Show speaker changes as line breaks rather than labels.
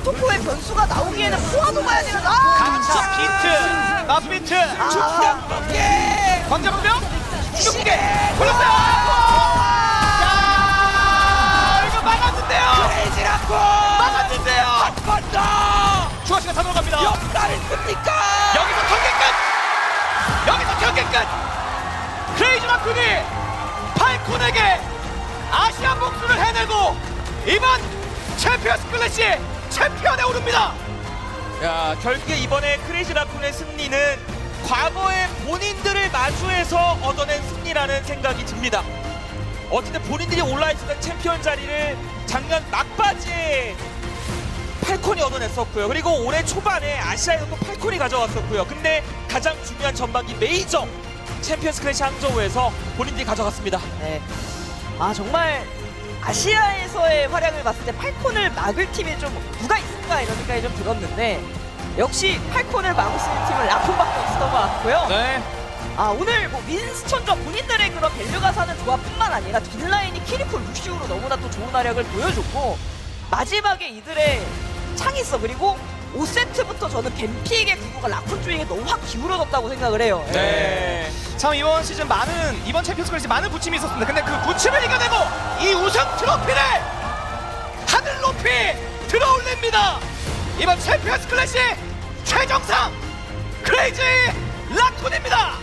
스토코의 변수가 나오기에는 포화도 가야 되는
강차 비트 나비트
충격번개
광자병명 충격번개 골랐어요. 야 이거 막았는데요.
크레이지라고
막았는데요.
한 번 더
추가 시간 다 들어갑니다.
역달 있습니까?
여기서 경기 끝. 여기서 경기 끝. 크레이지 마쿤이 팔콘에게 아시아 복수를 해내고 이번 챔피언스 클래시 챔피언에 오릅니다.
야, 결국에 이번에 크레이지 라쿤의 승리는 과거의 본인들을 마주해서 얻어낸 승리라는 생각이 듭니다. 어쨌든 본인들이 올라있었던 챔피언 자리를 작년 막바지에 팔콘이 얻어냈었고요. 그리고 올해 초반에 아시아에서도 팔콘이 가져갔었고요. 근데 가장 중요한 전반기 메이저 챔피언스 클래시 항저우에서 본인들이 가져갔습니다.
네. 아 정말 아시아에서의 활약을 봤을 때 팔콘을 막을 팀이 좀 누가 있을까 이런 생각이 좀 들었는데 역시 팔콘을 막을 수 있는 팀은 라콘밖에 없었던 것 같고요.
네.
아 오늘 뭐 윈스턴과 본인들의 그런 밸류가 사는 조합뿐만 아니라 뒷라인이 키리코 루시우로 너무나 또 좋은 활약을 보여줬고 마지막에 이들의 창있어 그리고 5세트부터 저는 뱀픽의 구도가 라콘 쪽에게 너무 확 기울어졌다고 생각을 해요.
네. 참 이번 시즌 이번 챔피언스 클래시 많은 부침이 있었습니다. 근데 그 부침을 이겨내고 이 우승 트로피를 하늘 높이 들어올립니다. 이번 챔피언스 클래시 최정상 크레이지 라쿤입니다.